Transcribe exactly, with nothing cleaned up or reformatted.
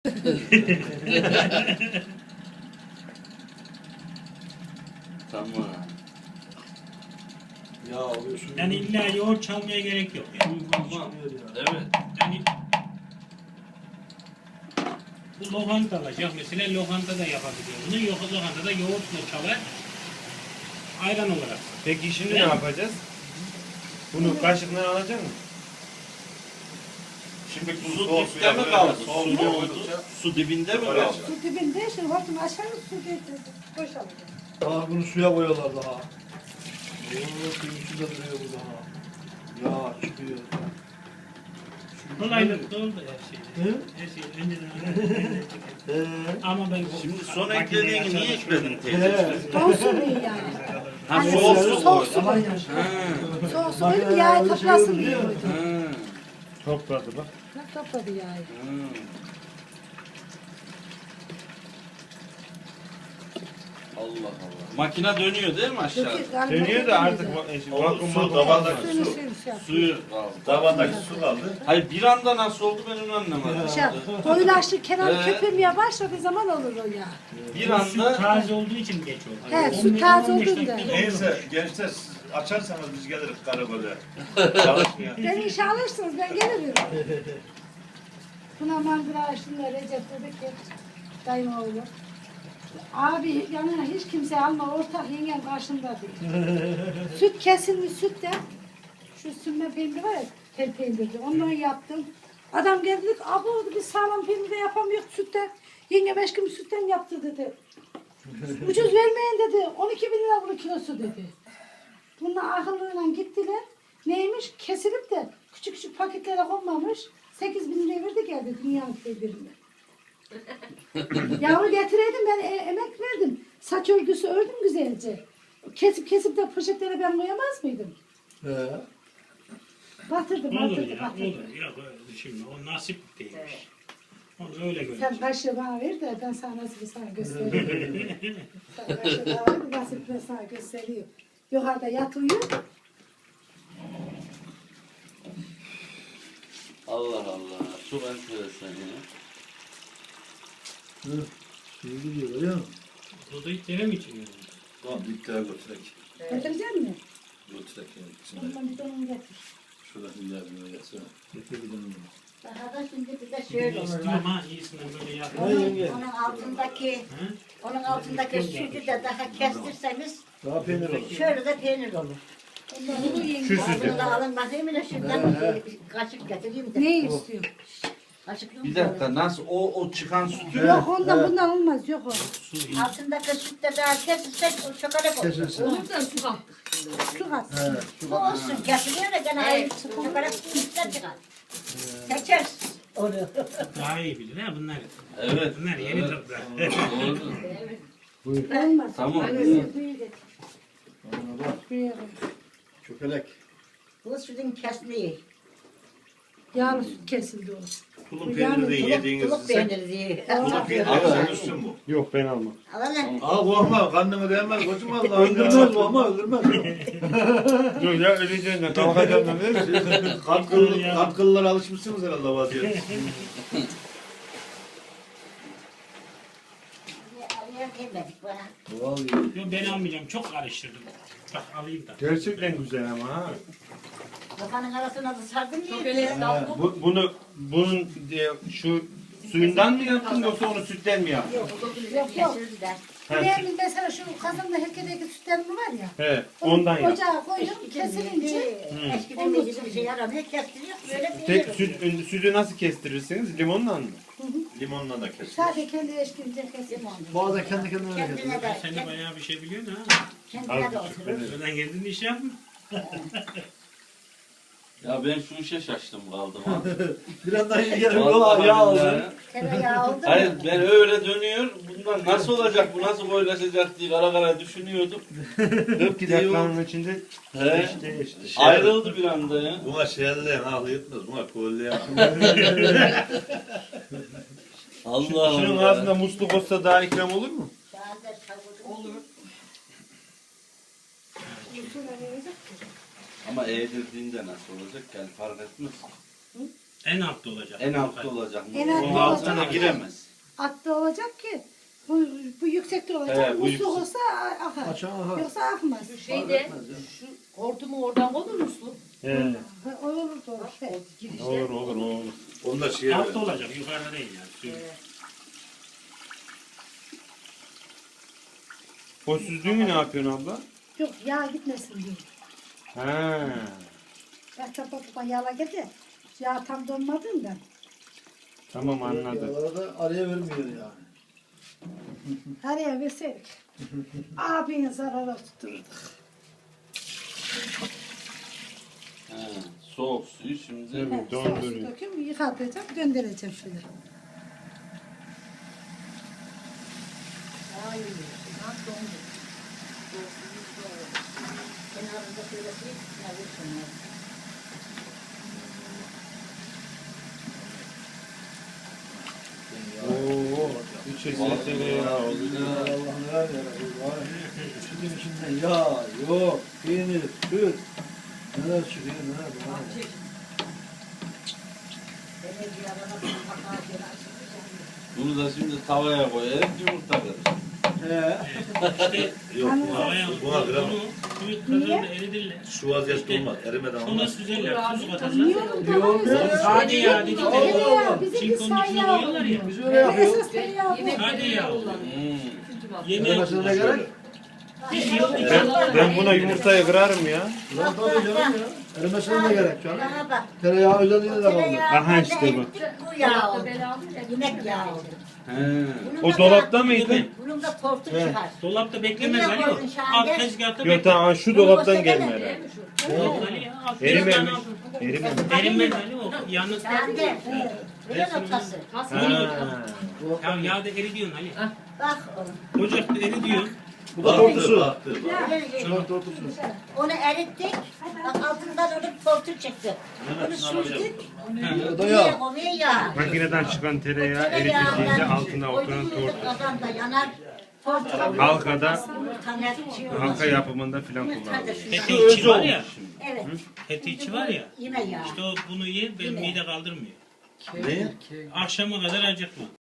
Tamam. Ya abi şu Yani illa yoğurt çalmaya gerek yok. Yani. Tamam. Evet. Yani bu lokanta alacak. Mesela lokanta da yapabiliyor. Bunu yok lokantada yoğurtla çalar. Ayran olarak. Peki şimdi ne Ben- yapacağız? Bunu kaşıkla alacak mısın? Şimdi bu Su soğuk dipte suya mi böyle kaldı? soğuk Su ne suya oldu? koydukça- Su dibinde mi Öyle kaldı? Su dibinde şimdi hortum aşağı su getirdi. Boşalacak. daha bunu suya koyuyorlar daha. Oo, suyun içinde duruyor bu daha. Ya çıkıyor. Kolaylıkla oldu her şey. Hı? Her şey önceden. Ee, Ama ben Şimdi son makineyi eklediğini açarım. niye ekledin teyze? He. Son su mu yani? Ha Hani soğuk su soğuk koy. su Aman koydum. ya. Ha. Soğuk su Makine koydum yağı öyle şey toplasın olur diye diyor. koydum. Ha. Topladı bak. Ne topladı yağı? Ha. Allah Allah. Makine dönüyor değil mi aşağı? Dökü- yani Dönüyor dökü da artık dönüyor. va- e, O vakum su vakum tabanda- olmaz. Suyunu suyunu şey yapıyor. Suyu kaldı. Tavandaki su kaldı. Hayır bir anda nasıl oldu ben onu anlamadım. Şey, koyulaştı kenarı Ee? köpürmeye başladığı zaman olur o yağ. Bir Süt anda taze olduğu için geç oldu. He, on süt beş- taze on beş olduğunda. dakikada Neyse oluyor. gençler siz açarsanız biz geliriz karakola. Çalışmıyor. Beni işe alırsınız ben gelirim. Buna mandıra açtığında Recep dedi ki dayım oğlu. Abi yanına hiç kimse alma ortak yengem karşımda değil. Süt kesilmiş süt de şu sümme peyniri var ya tel peynirdi onları yaptım. Adam geldi dedi ki abi dedi, biz sağlam peynir de yapamıyoruz sütten. Yengem eşkim sütten yaptı dedi. Ucuz vermeyin dedi. on iki bin lira bunun kilosu dedi. Bununla akıllıyla gittiler. Neymiş? Kesilip de küçük küçük paketlere konmamış. sekiz bin liraya verdi geldi dünyanın birine. Yavru getireydim ben e- emek verdim. Saç örgüsü ördüm güzelce. Kesip kesip de poşetlere ben koyamaz mıydım? He. Batırdım, Olur batırdım, ya, batırdım. olur. Yok öyle şimdi o nasip değilmiş. Onu öyle Sen göreceğiz. kaşığı bana ver de ben sana nasibi sana göstereyim. Sen kaşığı bana ver de nasibi ben sana göstereyim. Yukarıda yat uyu. Allah Allah. Çok enteresan ya. Hı. Şey gidiyor görüyor musun? O da hiç denem için yani. Tamam bir tane götürek. Götürecek misin? Götürek yani. İçinde Ondan bir donunu getir. şuradaki yardım etsene. Getir bir tane. Daha da şimdi bir de şöyle olur. İstiyorum ha iyisinden böyle yap. Ha yenge. Onun altındaki, Hı? onun altındaki sütü de daha kestirseniz Daha peynir olur. şöyle de peynir olur. Şu Bunu sütü. da alın bakayım da şuradan bir kaşık getireyim de. Ne istiyorsun? Kaşık yok Bir mu? dakika nasıl o o çıkan sütü Yok ondan bundan olmaz yok o. Altındaki süt de daha kesirsek o çikolata olur. Kesilsin. Olur. Su kat. He. Bu olsun getiriyor da gene ayrı çikolata sütten çıkar. Seçeriz onu. Daha iyi bilir ha bunlar. Evet. Bunlar yeni evet. toprak. Doğru. Olmaz. Tamam. Suyu getir. Ona bak. Şuraya koy. Çökelek. Bu sütün kesliği. Yağlı süt kesildi o. Tulum Bu yani peyniri de Tuluk, yediğiniz tuluk ise. peyniri diye. Tulum peyniri Al, senin al. üstün bu. Yok ben almam. Alalım. Al korkma karnını değmez koçum Allah. Öldürmez bu ama öldürmez. Dur ya öleceğim de kalkacağım da ne misin? Kalp kıllı- kalp kıllara alışmışsınız herhalde vaziyet. Alıyorum yemedik bana. Vallahi. Yok ben almayacağım. Çok karıştırdım. Bak alayım da. Gerçekten güzel ama ha. Kafanın arasına da sardın ya. Bu, bunu bunun e, şu suyundan mı yaptın yoksa onu sütten mi yaptın? Yok Yok, yok. Kesildiler. Benim mesela şu kazanda herkedeki sütlerim var ya. He, onu ondan yap. Ocağa koyuyorum kesilince. Eskiden de bir şey yaramıyor. Kestiriyor. Böyle Tek peynir süt, ön- sütü nasıl kestirirsiniz? Limonla mı? Limonla da kes. Sadece kendi eşkince kesin. Bu da kendi kendine öyle Kendine getiriyor. de, Sen de bayağı bir şey biliyorsun ha. kendine de oturur. Şuradan geldin iş yapma. Ya ben şu işe şaştım kaldım ha. Birazdan yiyelim. Vallahi Yağ yağ billahi. alır. Tereyağı oldu Hayır mu? ben öyle dönüyor. Bundan nasıl olacak bu nasıl boylaşacak diye kara kara düşünüyordum. İki dakikanın içinde He. işte işte. Şey- Ayrıldı bir anda ya. Buna şeyleyen ağlı yutmaz. Buna kolleyen. Allah Şunun Allah. ağzında musluk olsa daha ikram olur mu? Şahane çabuk olur. Ama eğdirdiğinde nasıl olacak yani fark etmez. En altta olacak. En altta olacak. En altta Onun altına olacak. giremez. Altta olacak ki bu, bu yüksekte olacak. Evet, bu Musluk yüksek. olsa akar. Açan aha. Yoksa akmaz. Şeyde şu hortumu oradan olur musun? He. Ha, o olur doğru. Evet. Olur olur olur. Onu da şeye Altta olacak. Yukarıda değil yani. Suyun. O süzdüğünü ne yapıyorsun abla? Yok yağ gitmesin diye. Ha. Bak çapa yağla getir. Yağ tam donmadığından. Tamam anladım. Yağları da araya vermiyor yani. Araya verseydik. Abinin zarara tuturduk. He, soğuk suyu şimdi. Evet, Evet, donduruyor. sos döküyorum, yıkatacağım, göndereceğim şöyle. Ay, nasıl dondu? Kenarında şöyle bir kenarda şunlar. Oo. Üç eşit tereyağı oldu. Allah'ım neler yaratıyor. Vay. Sütün içinden yağ, yoğurt, peynir, süt. Neler çıkıyor neler. neler. Demek ki arada bir bakar geri açılacak. Bunu da şimdi tavaya koyarım yumurta verir. Ee, İşte Yok. havaya Buna bunu gram. suyu kazanında eridirler. Şu vaziyette olmaz. Erimeden Sonra olmaz. süzerler. Tuz Niye katarlar. oldu? Sade yağ dedik Allah de. Allah. Bizim Çinkonun kız içine yağ koyuyorlar ya. Biz öyle yapıyoruz. Esas tereyağı bu. Sade yağ. Hmm. Yemeğe Mesela ne gerek? Ben, ben buna yumurtayı kırarım ya. Ulan tabii canım ya. Erimesine ne gerek canım? Bana bak. Tereyağı özelliğine de kaldı. Tereyağı Aha ben de işte bu. erittik, bu yağ oldu. Yemek yağı oldu. He. Bunun O da dolapta bak- mıydı? Bunun da tortu Evet. çıkar. Dolapta beklemez Nereye Ali o. koydun şu an? Alt Gel. tezgahta Yok bekler. tamam şu dolaptan gelme herhalde. Yok Ali ya. alt Erimemiş. tezgahtan al. Erimemiş. Erinmez Ali o. Yalnız. Ben de. Böyle notası. Ha. Ya yağda eri diyorsun Ali. Bak oğlum. Ocakta eri diyorsun. Bu da tortusu. Baktı. Şunun tortusu. Onu erittik. Bak altından onun tortu çıktı. Bunu süzdük. O da Buraya yağ. konuya yağ. Makineden çıkan tereyağı Tereyağı eritildiğinde ben altına oturan koyduğumuzda tortu. kazanda yanar. Tortu. Halkada, Yumurta ne şey olmaz. halka yapımında filan Yumurta da kullanılıyor. şundan. Eti içi var ya. Evet. Eti içi var ya. Yine yağ. İşte o bunu ye, benim mide kaldırmıyor. Ne? Akşama kadar acıkma.